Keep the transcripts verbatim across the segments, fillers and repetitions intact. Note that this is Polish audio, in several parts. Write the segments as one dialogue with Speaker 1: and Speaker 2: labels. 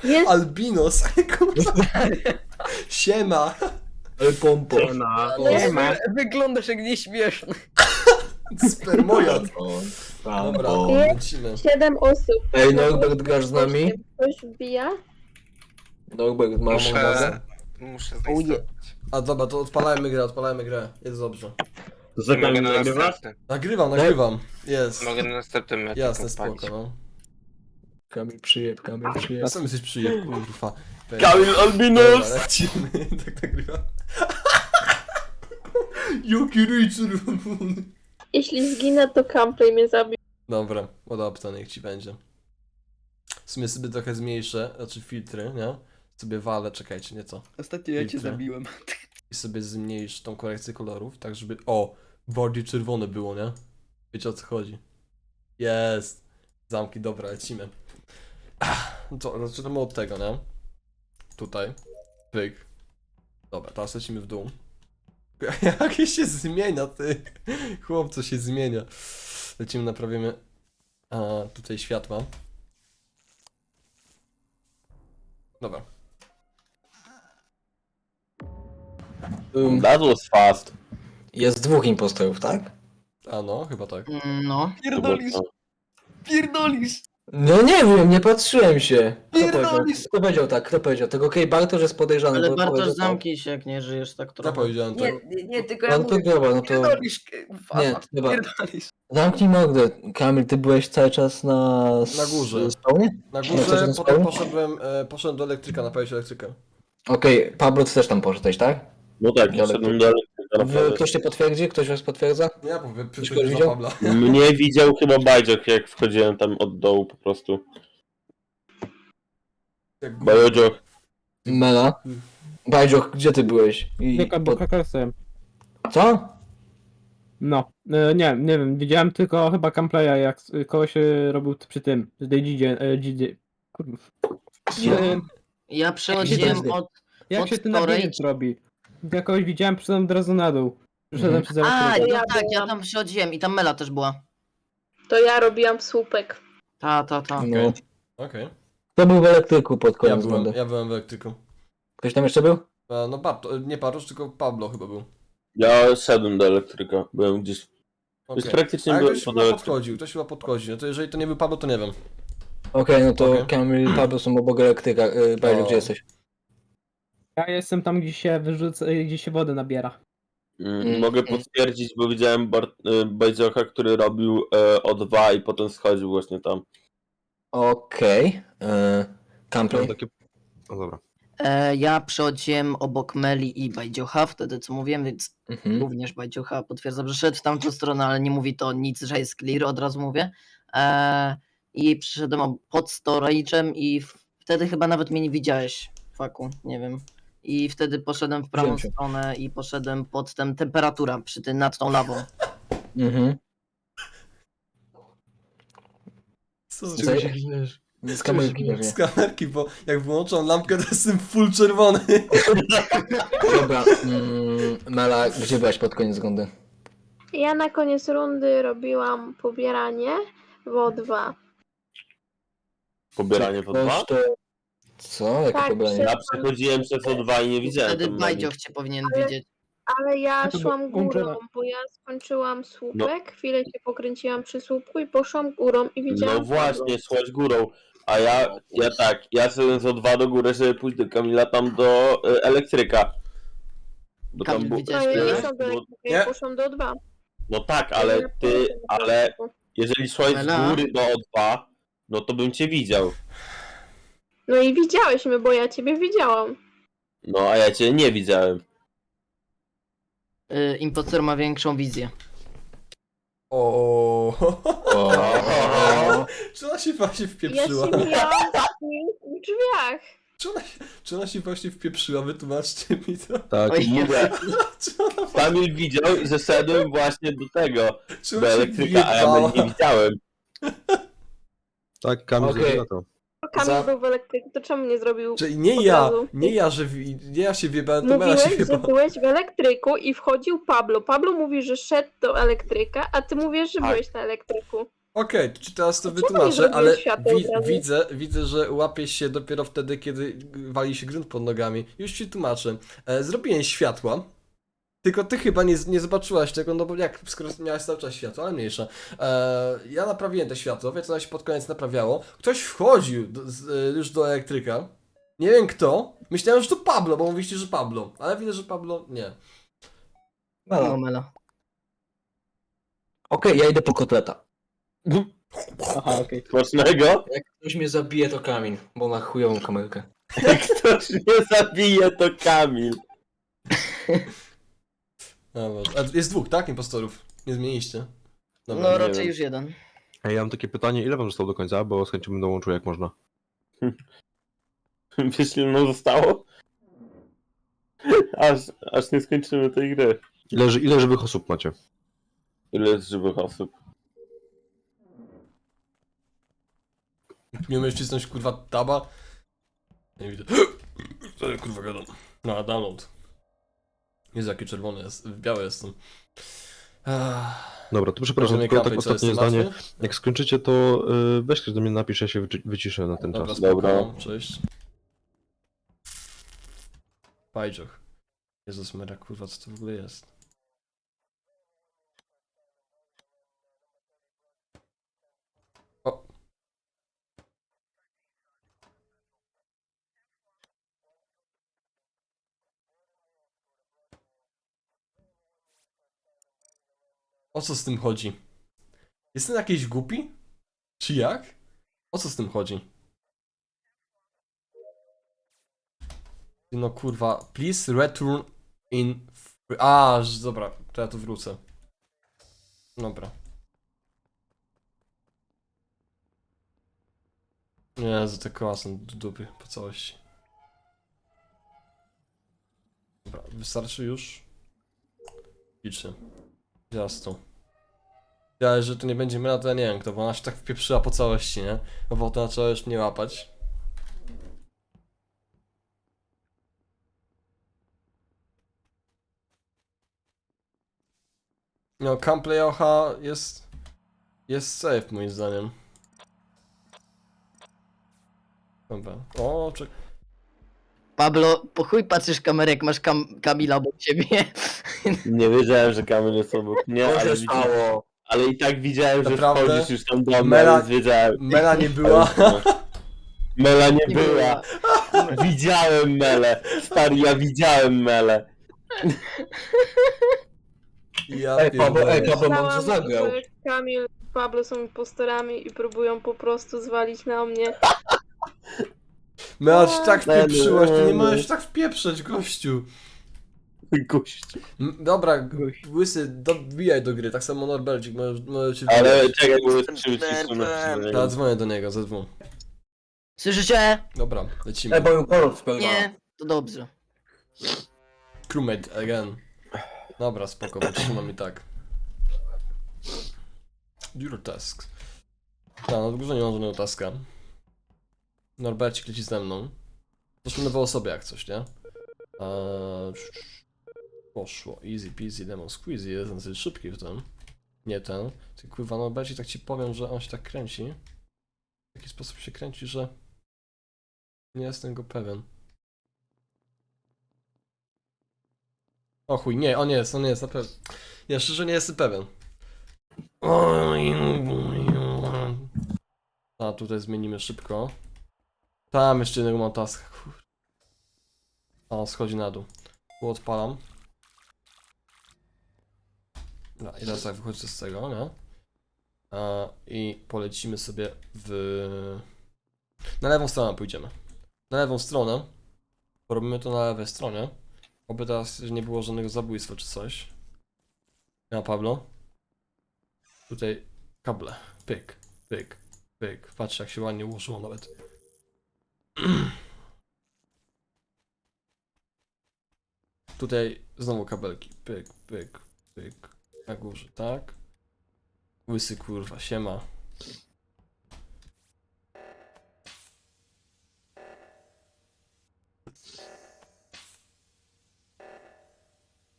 Speaker 1: Jest.
Speaker 2: Albinos. Siema.
Speaker 3: Ale pompo.
Speaker 4: Na...
Speaker 1: Nie
Speaker 4: Nie
Speaker 1: ma.
Speaker 4: ma.
Speaker 5: Wyglądasz jak nieśmieszny.
Speaker 2: Spermojad.
Speaker 3: Pompo.
Speaker 2: Dobra,
Speaker 3: Pompo.
Speaker 2: lecimy.
Speaker 1: Siedem osób.
Speaker 3: Ej, Norbert, grasz z nami?
Speaker 1: Ktoś wbija?
Speaker 3: Norbert, masz
Speaker 6: Muszę,
Speaker 3: bazę?
Speaker 6: muszę
Speaker 5: Uje.
Speaker 6: zainstalować.
Speaker 2: A dobra, to odpalajmy grę, odpalajmy grę. Jest dobrze.
Speaker 6: I mogę na następnym.
Speaker 2: Nagrywam, nagrywam. Jest.
Speaker 6: Mogę na następnym meczu
Speaker 2: Jasne,
Speaker 6: odpalić.
Speaker 2: spoko, no.
Speaker 3: Kamil przyjeb, Kamil
Speaker 2: Ja
Speaker 3: przyjeb.
Speaker 2: sam jesteś przyjemny, kurwa.
Speaker 3: Kamil
Speaker 2: Dobra,
Speaker 3: Albinos!
Speaker 2: lecimy. Tak nagrywam. Jaki ryj czerwony.
Speaker 1: Jeśli zginę, to Camplay mnie zabił.
Speaker 2: Dobra, odopta, niech ci będzie. W sumie sobie trochę zmniejszę, znaczy filtry, nie? Sobie walę, czekajcie, nieco.
Speaker 5: Ostatnio ja cię
Speaker 2: Filtry.
Speaker 5: zabiłem.
Speaker 2: I sobie zmniejsz tą korekcję kolorów, tak żeby, o, bardziej czerwone było, nie? Wiecie o co chodzi. Jest. Zamki, dobra, lecimy. Ach, no to zaczynamy od tego, nie? Tutaj. Pyk. Dobra, teraz lecimy w dół. Jakie się zmienia, ty. Chłopco się zmienia. Lecimy, naprawimy a, tutaj światła. Dobra.
Speaker 3: Um,
Speaker 7: That was fast.
Speaker 3: jest dwóch impostorów, tak?
Speaker 2: A no, chyba tak.
Speaker 5: No. Pierdolisz,
Speaker 7: To
Speaker 5: pierdolisz.
Speaker 3: No nie wiem, nie patrzyłem się. Kto powiedział,
Speaker 5: Pierdolisz.
Speaker 3: kto powiedział tak? Kto powiedział? Tego okej, Bartosz jest podejrzany.
Speaker 5: Ale
Speaker 3: bo
Speaker 5: Bartosz,
Speaker 3: powiedział tak.
Speaker 5: zamknij się, jak nie żyjesz tak
Speaker 2: Ja
Speaker 5: trochę.
Speaker 2: powiedziałem
Speaker 5: Nie,
Speaker 2: tak.
Speaker 5: nie, nie, tylko ja
Speaker 3: No to
Speaker 5: mówię.
Speaker 3: dobra, no to...
Speaker 5: Pierdolisz, k-
Speaker 3: Nie,
Speaker 5: fafa,
Speaker 3: dobra.
Speaker 5: pierdolisz.
Speaker 3: Zamknij mordę. Kamil, ty byłeś cały czas na...
Speaker 2: Na górze.
Speaker 3: Spawnie?
Speaker 2: Na
Speaker 3: No,
Speaker 2: górze,
Speaker 3: coś tam
Speaker 2: potem
Speaker 3: spało?
Speaker 2: poszedłem, e, poszedłem do elektryka, naprawić elektrykę.
Speaker 3: Okej, Pablo, ty też tam poszedłeś, tak?
Speaker 7: No tak,
Speaker 3: Ale-
Speaker 7: poszedłem do elektryka
Speaker 3: W,
Speaker 7: naprawdę.
Speaker 3: ktoś cię potwierdzi? Ktoś was potwierdza?
Speaker 2: Ja powiem,
Speaker 3: Ktoś
Speaker 2: przyszedłem za
Speaker 3: widział?
Speaker 2: Pabla.
Speaker 7: Mnie widział chyba Bajdziok, jak wchodziłem tam od dołu po prostu.
Speaker 2: Jak
Speaker 7: Bajdziok.
Speaker 3: Mela? Bajdzioch, gdzie ty byłeś? I
Speaker 4: Tylko
Speaker 3: pod...
Speaker 4: kakasem.
Speaker 3: Co?
Speaker 4: No, e, nie, nie wiem, widziałem tylko chyba Camplaya, jak s- kogoś e, robił t- przy tym, z tej dzidzie, e, dzidzie, kurwa. E,
Speaker 5: Ja przechodziłem
Speaker 3: Gdzie to
Speaker 5: od...
Speaker 4: jak
Speaker 5: Od
Speaker 4: się ten
Speaker 5: storage?
Speaker 4: labirynt robi? Jak kogoś widziałem, przyszedłem od razu na dół. Przyszedłem
Speaker 3: Mhm.
Speaker 4: przez
Speaker 5: A,
Speaker 4: elektrykę.
Speaker 5: no
Speaker 1: Ja
Speaker 5: tak, ja
Speaker 1: byłam.
Speaker 5: tam przechodziłem i tam Mela też była.
Speaker 1: To ja robiłam słupek.
Speaker 5: Ta, ta, ta.
Speaker 3: No.
Speaker 2: Okej.
Speaker 3: Kto był w elektryku pod
Speaker 2: Ja
Speaker 3: koniec
Speaker 2: byłem,
Speaker 3: rundy?
Speaker 2: ja byłem w elektryku.
Speaker 3: Ktoś tam jeszcze był?
Speaker 2: E, no Barto, nie Bartosz, tylko Pablo chyba był.
Speaker 7: Ja szedłem do elektryka. Byłem gdzieś.
Speaker 2: Okay.
Speaker 7: Już praktycznie
Speaker 2: A
Speaker 7: byłem
Speaker 2: ktoś
Speaker 7: pod
Speaker 2: chyba
Speaker 7: elektrykiem.
Speaker 2: podchodził, ktoś chyba podchodzi. No to jeżeli to nie był Pablo, to nie wiem.
Speaker 3: Okej, no to
Speaker 2: Okej.
Speaker 3: Kamil i Pablo są obok elektryka. Yy, Bajdzioch,
Speaker 2: O.
Speaker 3: gdzie jesteś?
Speaker 4: Ja jestem tam, gdzie się wyrzuca, e, gdzie się wodę nabiera.
Speaker 7: Mm,
Speaker 3: Mm,
Speaker 7: Mogę
Speaker 3: mm.
Speaker 7: potwierdzić, bo widziałem Bar- y, Bajdziocha, który robił e, O dwa i potem schodził właśnie tam.
Speaker 3: Okej. Okay. Camplay?
Speaker 6: No dobra.
Speaker 5: E, ja przechodziłem obok Meli i Bajdziocha, wtedy co mówiłem, więc
Speaker 3: Mhm.
Speaker 5: również Bajdziocha potwierdzam, że szedł w tamtą stronę, ale nie mówi to nic, że jest clear, od razu mówię. E, I przyszedłem ob- pod storage'em i w- wtedy chyba nawet mnie nie widziałeś, faku, nie wiem. I wtedy poszedłem w prawą
Speaker 3: Wziąłem cię.
Speaker 5: stronę i poszedłem pod tę temperaturę przy tym, nad tą lawą.
Speaker 3: Mhm.
Speaker 2: Co?
Speaker 3: Z czego się Z kamerki
Speaker 2: Z
Speaker 3: pewnie.
Speaker 2: kamerki, bo jak wyłączam lampkę, to jestem full czerwony.
Speaker 3: Dobra, mm, Mela, gdzie byłaś pod koniec rundy?
Speaker 1: Ja na koniec rundy robiłam pobieranie w O dwa.
Speaker 7: Pobieranie w O dwa?
Speaker 3: Ktoś to... Co? Jakie
Speaker 1: Tak,
Speaker 3: pobranie?
Speaker 1: przy-
Speaker 7: Ja przechodziłem przez O dwa i nie widziałem
Speaker 5: Wtedy
Speaker 7: tam Meli.
Speaker 5: Bajdzioch cię powinien
Speaker 1: Ale-
Speaker 5: widzieć.
Speaker 1: Ale ja
Speaker 4: to
Speaker 1: szłam
Speaker 4: był
Speaker 1: górą,
Speaker 4: Angela.
Speaker 1: bo ja skończyłam słupek, chwilę się pokręciłam przy słupku i poszłam górą i widziałam...
Speaker 7: No właśnie, szłaś górą. A ja, ja tak, ja szedłem z O dwa do góry, żeby pójść do Kamila tam do y, elektryka. Bo tam
Speaker 5: Kamil,
Speaker 7: było-
Speaker 5: widziałeś
Speaker 1: No ja nie
Speaker 5: tyle?
Speaker 1: są do
Speaker 7: bo-
Speaker 1: elektryka, ja
Speaker 2: Nie.
Speaker 1: poszłam do O dwa.
Speaker 7: No tak, ale
Speaker 1: Ja
Speaker 7: ty,
Speaker 1: poszłam do
Speaker 7: ale
Speaker 1: elektryka.
Speaker 7: jeżeli szłaś z
Speaker 5: Mela?
Speaker 7: góry do O dwa, no to bym cię widział.
Speaker 1: No i widziałeś mnie, bo ja ciebie widziałam.
Speaker 7: No a ja cię nie widziałem.
Speaker 5: Y, impostor ma większą wizję.
Speaker 2: O.
Speaker 3: O,
Speaker 2: Czy ona się właśnie
Speaker 1: Ja
Speaker 2: wpieprzyła?
Speaker 1: się mijałam z nim w drzwiach.
Speaker 2: Czy ona, się- czy ona się właśnie wpieprzyła? Wytłumaczcie mi to.
Speaker 7: Tak,
Speaker 5: Oj,
Speaker 7: mówię.
Speaker 2: Czy ona,
Speaker 7: Kamil widział, że szedłem właśnie do tego,
Speaker 2: czy
Speaker 7: do
Speaker 2: ona się
Speaker 7: elektryka, a ja
Speaker 2: wjebała?
Speaker 7: nie widziałem.
Speaker 8: Tak, Kamil
Speaker 3: Okej.
Speaker 8: okay. to.
Speaker 1: To Kamil
Speaker 3: Za-
Speaker 1: był w elektryku, to czemu nie zrobił?
Speaker 2: Czyli nie
Speaker 1: Od
Speaker 2: ja,
Speaker 1: razu.
Speaker 2: nie ja, że wi- nie ja się wjebałem, to Mela się
Speaker 1: Mówiłeś, że
Speaker 2: wjebała.
Speaker 1: byłeś w elektryku i wchodził Pablo. Pablo mówi, że szedł do elektryka, a ty mówisz, że
Speaker 7: Tak.
Speaker 1: byłeś na elektryku.
Speaker 2: Okej, to ci teraz to
Speaker 1: Dlaczego nie
Speaker 2: wytłumaczę,
Speaker 1: zrobiłeś
Speaker 2: ale
Speaker 1: światła
Speaker 2: wi
Speaker 1: od razu?
Speaker 2: widzę, widzę, że łapiesz się dopiero wtedy, kiedy wali się grunt pod nogami. Już ci tłumaczę. E, zrobiłem światła, tylko ty chyba nie, nie zobaczyłaś tego, no bo jak, skoro miałeś cały czas światło, ale mniejsza. E, ja naprawiłem te światło, więc ono się pod koniec naprawiało. Ktoś wchodził do, z, e, już do elektryka. Nie wiem kto. Myślałem, że to Pablo, bo mówiliście, że Pablo. Ale widzę, że Pablo nie.
Speaker 5: No, Mela.
Speaker 3: Okej, ja idę po kotleta.
Speaker 4: Aha, okej.
Speaker 7: Smacznego?
Speaker 3: Jak ktoś mnie zabije, to Kamil, bo ma chujową kamerkę.
Speaker 7: Jak ktoś mnie zabije, to Kamil.
Speaker 2: Dobra. A jest dwóch, tak? Impostorów. Nie zmieniliście. Dobra.
Speaker 5: No
Speaker 7: nie
Speaker 5: raczej
Speaker 7: wiem.
Speaker 5: już jeden.
Speaker 8: Ej, ja mam takie pytanie, ile wam zostało do końca, bo z chęcią bym dołączył jak można.
Speaker 7: Wiesz, ile nam zostało? Aż, aż nie skończymy tej gry.
Speaker 8: Ile, ży- ile żywych osób macie?
Speaker 7: Ile jest żywych osób?
Speaker 2: Nie umiesz wcisnąć kurwa taba? Nie widzę. Co ja kurwa gadam? No, download. Jezu, jaki czerwony jest, biały jestem. Ach,
Speaker 8: Dobra, to przepraszam,
Speaker 2: możemy
Speaker 8: tylko tak
Speaker 2: kapać, co,
Speaker 8: ostatnie
Speaker 2: jestem
Speaker 8: zdanie.
Speaker 2: martwy?
Speaker 8: Jak skończycie, to y, weź ktoś do mnie napisz, ja się wyci- wyciszę na ten
Speaker 2: Dobra,
Speaker 8: czas.
Speaker 2: spoko,
Speaker 7: Dobra.
Speaker 2: cześć. Pajdżoch. Jezus Maria, kurwa, co to w ogóle jest? O. O co z tym chodzi? Jestem jakiś głupi? Czy jak? O co z tym chodzi? No kurwa, please return in... free- A, że- dobra, to ja tu wrócę. Dobra. Jezu, te koła są do dupy po całości. Dobra, wystarczy już? Liczę. Jasno. Ja, że to nie będzie myla, to ja nie wiem kto, bo ona się tak wpieprzyła po całości, nie? No bo to zaczęła już mnie łapać. No, Camplay O H jest... jest safe moim zdaniem. Dobra. O, czek...
Speaker 5: Pablo, po chuj patrzysz kamerę, jak masz kam Kamila obok ciebie.
Speaker 7: Nie wiedziałem, że Kamil jest obok mnie,
Speaker 3: Co
Speaker 7: ale,
Speaker 3: się
Speaker 7: widzi...
Speaker 3: stało?
Speaker 7: ale i tak widziałem, że
Speaker 2: Naprawdę?
Speaker 7: wchodzisz już tam do mnie,
Speaker 2: Mela-
Speaker 7: więc wiedziałem.
Speaker 2: Mela nie była.
Speaker 7: Mela nie,
Speaker 5: Nie
Speaker 7: była. Widziałem Melę. Stary, ja widziałem Melę.
Speaker 2: Ja
Speaker 3: Ej, Pablo,
Speaker 2: pierdolę.
Speaker 3: ej, Pablo mądrze
Speaker 1: Myślałam,
Speaker 3: zagrał.
Speaker 1: że Kamil i Pablo są impostorami i próbują po prostu zwalić na mnie.
Speaker 2: Mela się tak wpieprzyłaś, ty nie
Speaker 7: Mela.
Speaker 2: możesz tak wpieprzeć, gościu.
Speaker 7: Gościu.
Speaker 2: M- Dobra, łysy, dobijaj do gry, tak samo Norbercik, możesz, możesz się
Speaker 7: Ale
Speaker 2: wbijać.
Speaker 7: czekaj, bo jest
Speaker 5: Jestem
Speaker 7: trzy wycisku na
Speaker 5: nerwem.
Speaker 2: Ja dzwonię do niego, ze dwóch.
Speaker 5: Słyszycie?
Speaker 2: Dobra, lecimy.
Speaker 3: Ej, bo ją kolor spełniła.
Speaker 5: Nie, to dobrze.
Speaker 2: Crewmate again. Dobra, spoko, wytrzymam i tak. Do your tasks. Tak, no dużo nie mam żadnego taska. Norbercik leci ze mną. Zresztą nowe osoby jak coś, nie? Eee, poszło. Easy peasy lemon squeezy, jest dosyć szybki w tym. Nie ten. Ty kurwa, Norbercik, tak ci powiem, że on się tak kręci. W taki sposób się kręci, że... Nie jestem go pewien. O chuj, nie, on jest, on jest, na pewno. Ja szczerze nie jestem pewien. A tutaj zmienimy szybko. Tam jeszcze jednego mam taska. Kur... A on schodzi na dół. Tu odpalam. No i teraz tak wychodzę z tego, nie? A, i polecimy sobie w... Na lewą stronę pójdziemy. Na lewą stronę. Robimy to na lewej stronie. Oby teraz nie było żadnego zabójstwa czy coś. Ja, Pablo. Tutaj kable. Pyk, pyk, pyk. Patrz jak się ładnie ułożyło nawet. Tutaj znowu kabelki. Pyk, pyk, pyk. Na górze, tak? Łysy kurwa, siema.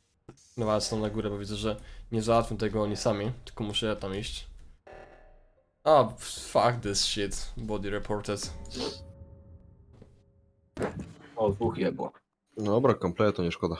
Speaker 2: No ale są na górę, bo widzę, że nie załatwią tego oni sami, tylko muszę ja tam iść. A, fuck this shit. Body reported.
Speaker 3: O, dwóch jebło.
Speaker 8: Dobra, kompletu, nie szkoda.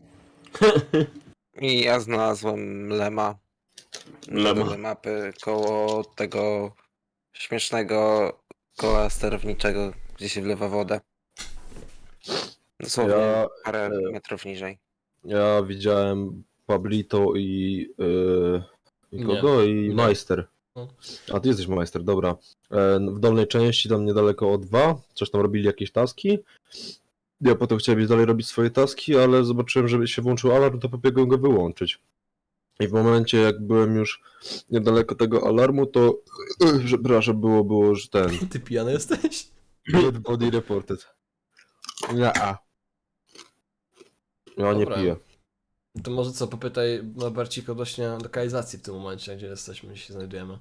Speaker 6: I ja znalazłem lema.
Speaker 7: Lema.
Speaker 6: Lema mapy koło tego śmiesznego koła sterowniczego, gdzie się wlewa wodę. Dosłownie
Speaker 8: Ja,
Speaker 6: parę
Speaker 8: e,
Speaker 6: metrów niżej.
Speaker 8: ja widziałem Pablito i... Yy, i
Speaker 2: Nie.
Speaker 8: kogo? I
Speaker 2: Nie.
Speaker 8: Majster.
Speaker 2: No.
Speaker 8: A ty jesteś Majster, dobra. E, w dolnej części, tam niedaleko O dwa, coś tam robili jakieś taski. Ja potem chciałem iść dalej robić swoje taski, ale zobaczyłem, że się włączył alarm, to pobiegłem go wyłączyć. I w momencie, jak byłem już niedaleko tego alarmu, to przepraszam, było, było, że ten...
Speaker 2: Ty pijany jesteś?
Speaker 8: Dead body reported. Nie, a. Ja nie
Speaker 2: Dobra.
Speaker 8: piję.
Speaker 2: To może co, popytaj Norbercik odnośnie lokalizacji w tym momencie, gdzie jesteśmy, gdzie się znajdujemy.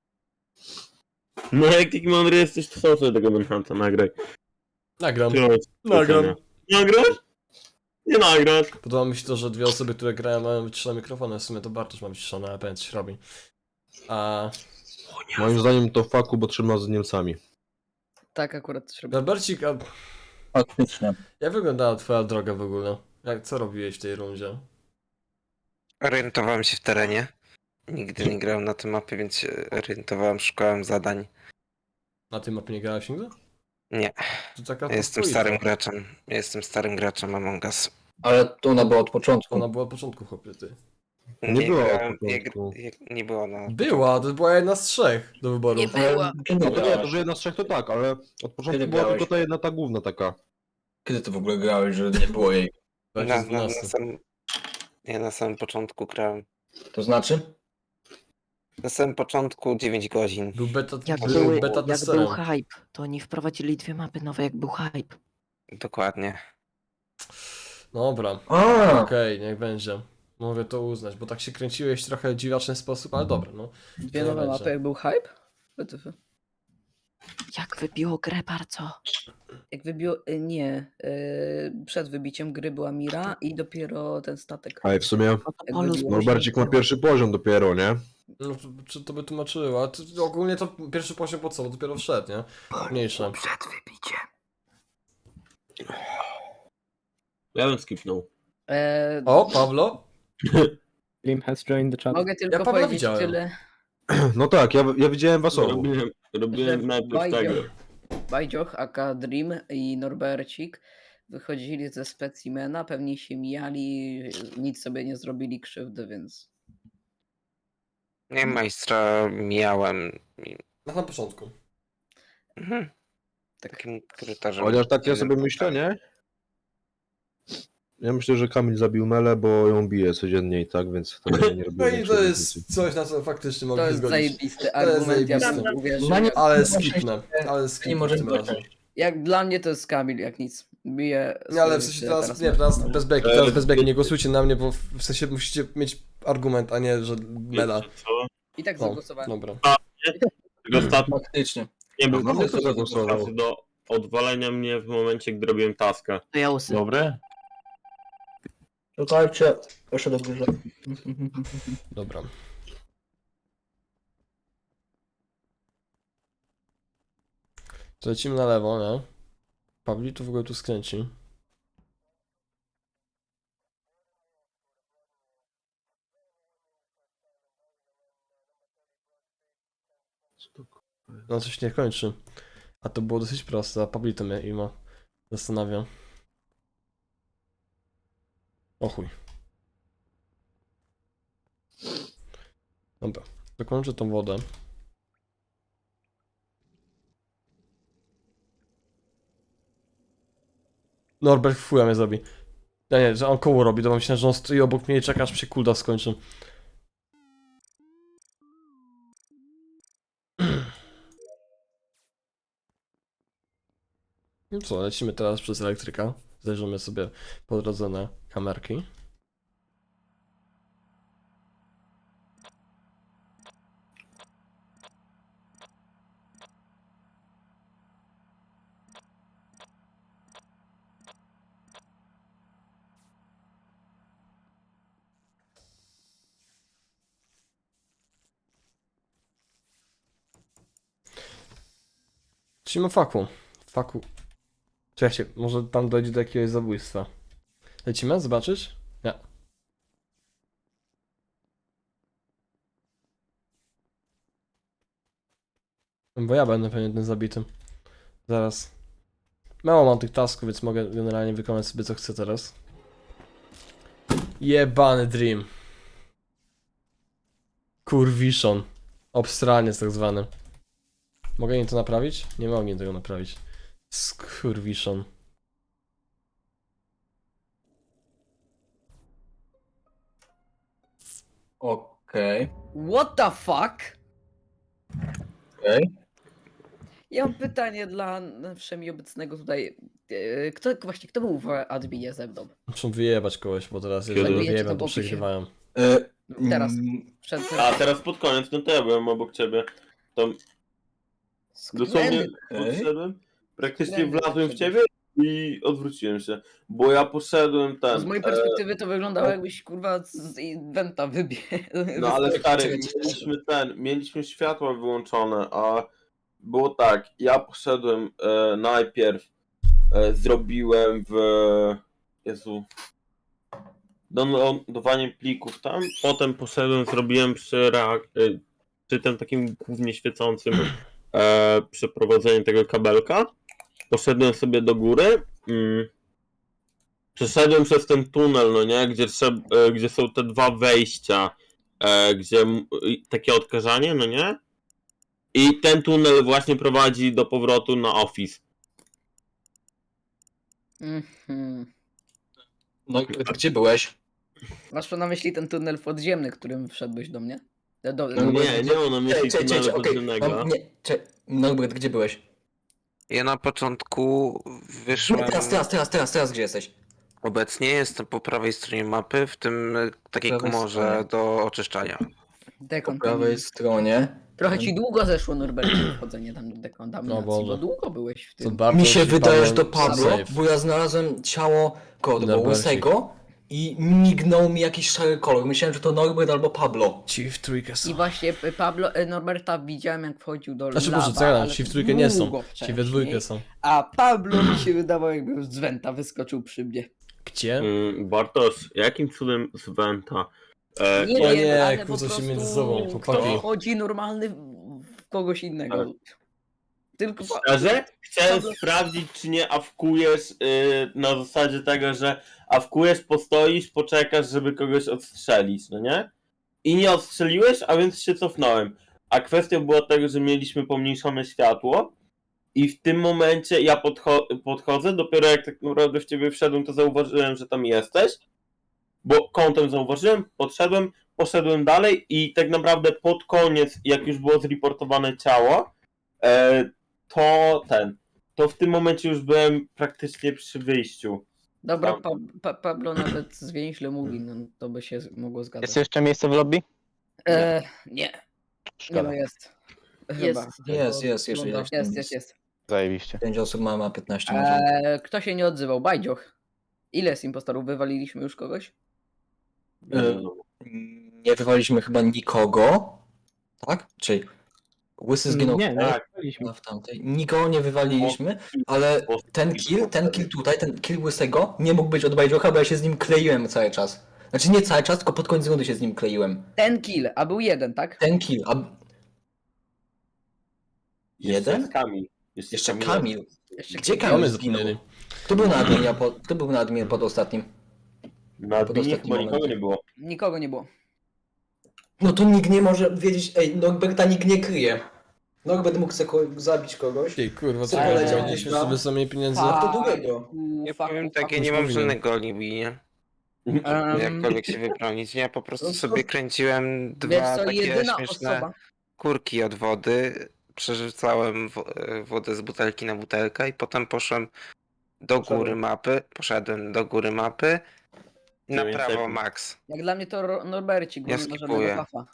Speaker 7: No jak taki mądry jesteś, to sam sobie tego Manhunta nagraj.
Speaker 2: Nagram.
Speaker 7: Trzymaj
Speaker 2: Nagram.
Speaker 7: ocenia. Nagrasz? Nie nagrasz.
Speaker 2: Podoba mi się to, że dwie osoby, które grają, mają wyciszone mikrofony. W sumie to Bartosz ma wyciszone, ale pewnie coś robi. A
Speaker 8: Moim zdaniem to faku, bo trzyma z Niemcami.
Speaker 9: Tak, akurat coś robię.
Speaker 2: Norbercik, a
Speaker 3: Faktycznie.
Speaker 2: jak wyglądała twoja droga w ogóle? Jak, co robiłeś w tej rundzie?
Speaker 6: Orientowałem się w terenie. Nigdy nie grałem na tej mapie, więc się orientowałem, szukałem zadań.
Speaker 2: Na tej mapie nie grałeś nigdy?
Speaker 6: Nie,
Speaker 2: To taka
Speaker 6: ja jestem
Speaker 2: twoja.
Speaker 6: starym graczem. Ja jestem starym graczem Among Us.
Speaker 3: Ale to ona była od początku.
Speaker 2: Ona była od początku, chłopie, ty.
Speaker 8: Nie była od
Speaker 6: grałem, nie,
Speaker 8: początku.
Speaker 6: nie, nie było na...
Speaker 2: Była, to była jedna z trzech do wyboru.
Speaker 5: Nie
Speaker 3: Ale
Speaker 5: była.
Speaker 3: Kiedy
Speaker 8: No to nie, to
Speaker 3: grałeś?
Speaker 8: że jedna z trzech to tak, ale od początku
Speaker 3: Kiedy
Speaker 8: była
Speaker 3: grałeś?
Speaker 8: tylko ta jedna, ta główna taka.
Speaker 3: Kiedy ty w ogóle grałeś, że nie było jej?
Speaker 6: Na, na, na
Speaker 2: dwunastym.
Speaker 6: samym, ja na samym początku grałem.
Speaker 3: To znaczy?
Speaker 6: Na samym początku dziewięć godzin.
Speaker 2: Był beta,
Speaker 5: Jak,
Speaker 2: był
Speaker 5: były,
Speaker 2: beta
Speaker 5: jak był
Speaker 2: testerem.
Speaker 5: hype, to oni wprowadzili dwie mapy nowe, jak był hype.
Speaker 6: Dokładnie.
Speaker 2: Dobra,
Speaker 3: A,
Speaker 2: okej, niech będzie. Mogę to uznać, bo tak się kręciłeś w trochę dziwaczny sposób, ale dobra, no.
Speaker 9: Dwie
Speaker 2: Nie
Speaker 9: nowe
Speaker 2: będzie.
Speaker 9: mapy, jak był hype? W T F.
Speaker 5: Jak wybiło grę bardzo.
Speaker 9: Jak wybił... y, Nie. y, Przed wybiciem gry była Mira i dopiero ten statek.
Speaker 8: Ale w sumie
Speaker 5: No to
Speaker 9: Jak
Speaker 5: Polus
Speaker 9: wybiło-
Speaker 8: Norbercik ma pierwszy poziom dopiero, nie?
Speaker 2: No, to, czy to by tłumaczyło? A to, ogólnie to pierwszy poziom po co? Bo dopiero wszedł, nie? Mniejsze.
Speaker 3: przed wybiciem.
Speaker 7: Ja bym skipnął.
Speaker 9: E,
Speaker 2: O, Pawlo?
Speaker 4: Lim has joined the chat.
Speaker 9: Mogę tylko
Speaker 2: Pawła
Speaker 9: powiedzieć
Speaker 2: widziałem.
Speaker 9: tyle.
Speaker 8: No tak, ja, ja widziałem was obu.
Speaker 7: Robiłem, robiłem
Speaker 9: Że
Speaker 7: najpierw
Speaker 9: Bajdzio-
Speaker 7: tego.
Speaker 9: Bajdzioch, aka Dream i Norbercik wychodzili ze specimena, pewnie się mijali, nic sobie nie zrobili krzywdy, więc...
Speaker 6: Nie, majstra miałem.
Speaker 2: Na samym początku.
Speaker 6: Mhm. Takim korytarzem.
Speaker 8: Chociaż tak ja sobie myślę, nie? Ja myślę, że Kamil zabił Melę, bo ją bije codziennie i tak, więc to nie, nie robię
Speaker 2: No i
Speaker 8: większej
Speaker 2: to
Speaker 8: różnicy.
Speaker 2: jest coś, na co faktycznie mogę
Speaker 9: To
Speaker 2: się
Speaker 9: jest
Speaker 2: zgodzić.
Speaker 9: zajebisty
Speaker 2: To jest
Speaker 9: argument, ja bym
Speaker 2: zajebiste.
Speaker 9: uwierzył.
Speaker 3: No nie-
Speaker 2: Ale
Speaker 3: Nie
Speaker 2: skipnę, ale skipnę
Speaker 3: może
Speaker 2: tym
Speaker 3: być.
Speaker 2: razem.
Speaker 9: Jak dla mnie to jest Kamil, jak nic. Bije
Speaker 2: Nie, ale w
Speaker 9: swoje
Speaker 2: sensie
Speaker 9: życie,
Speaker 2: teraz, nie, teraz bez beki,
Speaker 7: Ale-
Speaker 2: teraz bez beki, nie głosujcie na mnie, bo w sensie musicie mieć argument, a nie, że mela.
Speaker 7: Co?
Speaker 9: I tak
Speaker 2: O,
Speaker 9: zagłosowałem.
Speaker 2: dobra.
Speaker 7: Tego statku
Speaker 3: Faktycznie.
Speaker 7: nie był
Speaker 8: No, no, to zagłosował.
Speaker 7: wystarczy do odwalenia mnie w momencie, gdy robiłem taskę.
Speaker 5: To ja usy.
Speaker 7: Dobre?
Speaker 3: Czekajcie, jeszcze do górze.
Speaker 2: Dobra. To lecimy na lewo, nie? Pawli tu w ogóle tu skręci. No coś nie kończy. A to było dosyć proste, a Pablito mnie i ma zastanawia. O chuj. Dobra, dokończę tą wodę. Norbert fuja mnie zrobi. Ja nie, że on koło robi, to myślałem, że on stoi obok mnie i czeka, aż się kulda skończy. No co, lecimy teraz przez elektryka. Zajrzymy sobie po drodze na kamerki. Zacznijmy o faku. Faku. Czekajcie, może tam dojdzie do jakiegoś zabójstwa. Lecimy? Zobaczyć? Nie. Bo ja będę pewnie tym zabitym. Zaraz. Mało mam tych tasków, więc mogę generalnie wykonać sobie co chcę teraz. Jebany Dream. Kurwiszon. Obstraniec tak zwany. Mogę im to naprawić? Nie mogę tego naprawić. Skurwiszon.
Speaker 3: Okej.
Speaker 9: What the fuck?
Speaker 3: Okej.
Speaker 9: Ja mam pytanie dla wszemi obecnego tutaj. E, Kto właśnie, kto był w adminie ze mną?
Speaker 2: Muszę wyjebać kogoś, bo teraz
Speaker 7: Kiedy?
Speaker 2: jeżeli
Speaker 9: Zabijecie
Speaker 2: wyjebam,
Speaker 9: to
Speaker 2: to
Speaker 9: w opisie.
Speaker 2: przegrywają.
Speaker 3: E,
Speaker 9: Teraz.
Speaker 3: mm,
Speaker 9: Przed
Speaker 7: A teraz pod koniec, no to ja byłem obok ciebie. To dosłownie
Speaker 3: Okej.
Speaker 7: podszedłem, praktycznie
Speaker 9: Skrędy
Speaker 7: wlazłem w
Speaker 9: wszedłeś.
Speaker 7: ciebie i odwróciłem się. Bo ja poszedłem ten.
Speaker 9: Z mojej
Speaker 7: e,
Speaker 9: perspektywy to wyglądało jakbyś kurwa z inventa wybiegł.
Speaker 7: No ale stary,
Speaker 3: Czekaj, czekaj,
Speaker 7: mieliśmy ten, mieliśmy światła wyłączone, a było tak, ja poszedłem e, najpierw, e, zrobiłem w, Jezu, downloadowanie plików tam, potem poszedłem, zrobiłem przy, reak- e, przy tym takim głównie świecącym e, przeprowadzeniu tego kabelka, poszedłem sobie do góry, mm, przeszedłem przez ten tunel, no nie, gdzie, trzeb- e, gdzie są te dwa wejścia, e, gdzie m- i takie odkażanie, no nie? I ten tunel właśnie prowadzi do powrotu na Office.
Speaker 9: Mhm.
Speaker 3: No i gdzie byłeś?
Speaker 9: Masz na myśli ten tunel podziemny, którym wszedłeś do mnie? Do, do,
Speaker 3: No bo-
Speaker 7: Nie, nie mam na myśli
Speaker 3: Czekaj, czekaj,
Speaker 7: tunelu
Speaker 3: czekaj, okej.
Speaker 7: podziemnego.
Speaker 3: Mam- Nie, czekaj. Norbert, gdzie byłeś?
Speaker 6: Ja na początku
Speaker 3: Nie,
Speaker 6: wyszłem.
Speaker 3: teraz, teraz, teraz, teraz, teraz gdzie jesteś?
Speaker 6: Obecnie jestem po prawej stronie mapy, w tym e, takiej
Speaker 3: prawej
Speaker 6: komorze
Speaker 3: stronie.
Speaker 6: do oczyszczania.
Speaker 3: Po
Speaker 9: dekon.
Speaker 3: prawej stronie.
Speaker 9: Trochę ci długo zeszło, Norbert, wchodzenie tam do dekontaminacji,
Speaker 2: No
Speaker 9: bo
Speaker 2: Boże.
Speaker 9: długo byłeś w
Speaker 2: To
Speaker 9: tym.
Speaker 2: bardzo
Speaker 3: Mi się
Speaker 2: ci
Speaker 3: wydaje, że to
Speaker 2: Paweł
Speaker 3: Pablo,
Speaker 2: safe.
Speaker 3: bo ja znalazłem ciało kogo to było,
Speaker 2: Norbercik.
Speaker 3: Łysego i mignął mi jakiś szary kolor. Myślałem, że to Norbert albo Pablo.
Speaker 2: Ci w trójkę
Speaker 9: I
Speaker 2: są.
Speaker 9: właśnie e, Pablo, e, Norberta widziałem jak wchodził do
Speaker 2: Znaczy
Speaker 9: lawa,
Speaker 2: może co ja dam,
Speaker 9: ale
Speaker 2: ci w
Speaker 9: to
Speaker 2: trójkę nie są.
Speaker 9: długo
Speaker 2: Ci we
Speaker 9: wcześniej.
Speaker 2: dwójkę są.
Speaker 9: A Pablo mi się wydawało jakby z Wenta wyskoczył przy mnie.
Speaker 2: Gdzie?
Speaker 7: Mm, Bartosz, jakim cudem z Venta? E,
Speaker 9: Nie
Speaker 2: o
Speaker 9: wiem,
Speaker 2: nie,
Speaker 9: ale po
Speaker 2: kłócą się
Speaker 9: prostu
Speaker 2: między sobą,
Speaker 9: kto
Speaker 2: chłopaki.
Speaker 9: wchodzi normalny w kogoś innego.
Speaker 7: Ale-
Speaker 9: Tylko pa-
Speaker 7: Szczerze? Chciałem
Speaker 9: Pablo-
Speaker 7: sprawdzić, czy nie awkujesz y, na zasadzie tego, że awkujesz, postoisz, poczekasz, żeby kogoś odstrzelić, no nie? I nie odstrzeliłeś, a więc się cofnąłem. A kwestia była tego, że mieliśmy pomniejszone światło i w tym momencie ja podcho- podchodzę, dopiero jak tak naprawdę w ciebie wszedłem, to zauważyłem, że tam jesteś, bo kątem zauważyłem, podszedłem, poszedłem dalej i tak naprawdę pod koniec, jak już było zreportowane ciało, e, to ten, to w tym momencie już byłem praktycznie przy wyjściu.
Speaker 9: Dobra,
Speaker 7: Tam.
Speaker 9: pa, pa, Pablo nawet zwięźle mówi, no to by się mogło zgadzać.
Speaker 10: Jest jeszcze miejsce w lobby?
Speaker 9: E, nie, nie
Speaker 10: Szkoda.
Speaker 9: no jest.
Speaker 1: Jest.
Speaker 9: Chyba.
Speaker 3: Jest, jest, jeszcze
Speaker 9: Wygląda-
Speaker 3: jest tam
Speaker 9: jest,
Speaker 3: jest.
Speaker 9: jest, jest.
Speaker 10: Zajebiście.
Speaker 3: Pięć osób ma, ma piętnaście może.
Speaker 9: E, kto się nie odzywał? Bajdzioch. Ile z impostorów? Wywaliliśmy już kogoś?
Speaker 3: E, Nie wywaliśmy chyba nikogo. Tak? Czyli Łysy zginął
Speaker 4: Nie, nie,
Speaker 7: Tak.
Speaker 4: byliśmy.
Speaker 3: chyba w tamtej. Nikogo nie wywaliliśmy, ale ten kill, ten kill tutaj, ten kill Łysego nie mógł być od Bajdziocha, bo ja się z nim kleiłem cały czas. Znaczy nie cały czas, tylko pod koniec rundy się z nim kleiłem.
Speaker 9: Ten kill, a był jeden, tak?
Speaker 3: Ten kill, a
Speaker 7: Jeszcze
Speaker 3: jeden?
Speaker 7: jest Kamil.
Speaker 3: Jeszcze Kamil.
Speaker 9: Jeszcze
Speaker 3: Gdzie
Speaker 9: Kamil.
Speaker 2: Mamy
Speaker 3: Kamil zginął?
Speaker 2: zapomnieli.
Speaker 3: Kto był na adminie pod, kto był na adminie pod ostatnim?
Speaker 7: Na
Speaker 3: Pod
Speaker 7: adminie
Speaker 3: ostatnim
Speaker 7: chyba nikogo
Speaker 3: momencie.
Speaker 7: nie było.
Speaker 9: Nikogo nie było.
Speaker 3: No to nikt nie może wiedzieć, ej, Norberta nikt nie kryje. Norbert mógł sobie ko- zabić kogoś.
Speaker 2: Ej, kurwa, co
Speaker 3: Co
Speaker 2: ja
Speaker 3: leciał
Speaker 2: nie
Speaker 3: gdzieś
Speaker 2: śmieszne,
Speaker 3: tam?
Speaker 2: wy sobie mieli pieniędzy.
Speaker 3: A kto drugiego?
Speaker 6: Ja
Speaker 9: Faku,
Speaker 6: powiem
Speaker 9: faku.
Speaker 6: tak, ja nie
Speaker 2: już
Speaker 6: mam
Speaker 2: powinien.
Speaker 6: żadnego alibi, nie?
Speaker 9: Em,
Speaker 6: Jakkolwiek się wybronić. Ja po prostu
Speaker 3: No to-
Speaker 6: sobie kręciłem
Speaker 9: Wiesz
Speaker 6: dwa
Speaker 9: co,
Speaker 6: takie
Speaker 9: jedyna
Speaker 6: śmieszne
Speaker 9: osoba,
Speaker 6: kurki od wody. Przerzucałem wo- wodę z butelki na butelkę i potem poszłem do
Speaker 3: Poszedłem.
Speaker 6: góry mapy. Poszedłem do góry mapy. Na
Speaker 7: Dziewięć
Speaker 6: prawo
Speaker 7: sekund.
Speaker 6: max.
Speaker 9: jak dla mnie to Ro- Norbercik, bo
Speaker 6: Ja
Speaker 9: nie ma żadnego
Speaker 6: skipuję.
Speaker 9: hafa.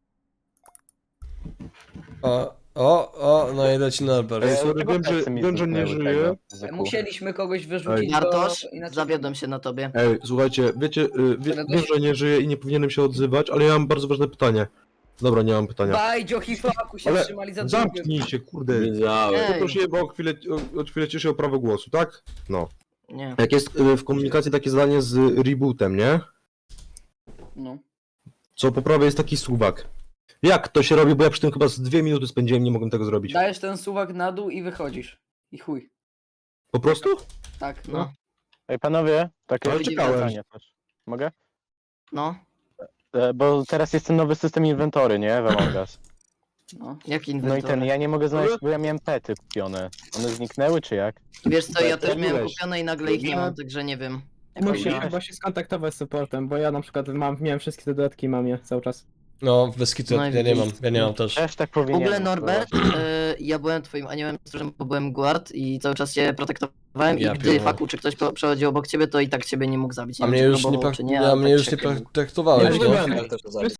Speaker 2: O, o, o, no i leci Norbert.
Speaker 8: Ej, sorry,
Speaker 10: Dlaczego
Speaker 8: wiem, że-
Speaker 10: plecy mi
Speaker 8: wiem, że nie
Speaker 10: zniknęły
Speaker 8: żyje.
Speaker 10: tego zyku?
Speaker 9: Musieliśmy kogoś wyrzucić,
Speaker 5: Bartosz,
Speaker 9: bo inaczej...
Speaker 5: zawiodłem się na tobie.
Speaker 8: Ej, słuchajcie, wiecie, y, wie,
Speaker 9: Ale
Speaker 8: wiem,
Speaker 9: dość-
Speaker 8: że nie żyję i nie powinienem się odzywać, ale ja mam bardzo ważne pytanie. Dobra, nie mam pytania.
Speaker 9: Bajdzio i Faku się
Speaker 8: Ale
Speaker 9: trzymali za drugim.
Speaker 8: zamknij się, kurde.
Speaker 7: Wiedziałem.
Speaker 5: Ej.
Speaker 8: Poprosiłem o chwilę, o, o chwilę ciszę o prawo głosu, tak? No.
Speaker 5: Nie.
Speaker 8: Jak jest y, w komunikacji takie zadanie z rebootem, nie?
Speaker 9: No.
Speaker 8: Co po prawej jest taki suwak. Jak to się robi, bo ja przy tym chyba z dwie minuty spędziłem, nie mogłem tego zrobić.
Speaker 9: Dajesz ten suwak na dół i wychodzisz. I chuj.
Speaker 8: Po prostu?
Speaker 9: Tak.
Speaker 5: No.
Speaker 10: Ej panowie, takie
Speaker 8: Ale czekałem.
Speaker 10: pytanie też. Mogę?
Speaker 5: No.
Speaker 10: E, bo teraz jest ten nowy system inwentory, nie? W Among Us.
Speaker 9: No.
Speaker 5: Jak
Speaker 10: No i
Speaker 5: inwentory?
Speaker 10: ten, ja nie mogę znaleźć, bo ja miałem pety kupione. One zniknęły czy jak?
Speaker 5: Wiesz co, ja też
Speaker 8: Jak
Speaker 5: miałem
Speaker 8: byłeś?
Speaker 5: kupione i nagle ich nie mam, także nie wiem. Jak
Speaker 4: Musi
Speaker 5: miałem.
Speaker 4: chyba się skontaktować z supportem, bo ja na przykład mam, miałem wszystkie te dodatki, mam je cały czas.
Speaker 2: No, bez kitu,
Speaker 5: No i
Speaker 2: ja nie mam,
Speaker 5: widzisz.
Speaker 2: ja nie mam też.
Speaker 10: Też tak
Speaker 5: W
Speaker 10: powinienem.
Speaker 5: ogóle Norbert,
Speaker 10: to właśnie.
Speaker 5: y, ja byłem twoim aniołem stróżem, bo byłem guard i cały czas cię protektowałem
Speaker 2: Ja
Speaker 5: i gdy
Speaker 2: pierdolę.
Speaker 5: Faku czy ktoś po- przechodził obok ciebie, to i tak ciebie nie mógł zabić. Nie
Speaker 2: A
Speaker 5: wiem,
Speaker 2: mnie
Speaker 5: czy
Speaker 2: już nie,
Speaker 5: próbował,
Speaker 2: pra-
Speaker 5: czy nie,
Speaker 2: a
Speaker 5: ale
Speaker 2: mnie
Speaker 5: tak
Speaker 2: już
Speaker 5: się
Speaker 2: nie
Speaker 5: chyba mógł.
Speaker 2: traktowałeś,
Speaker 3: Nie
Speaker 2: nie?
Speaker 3: byłem też to zabić.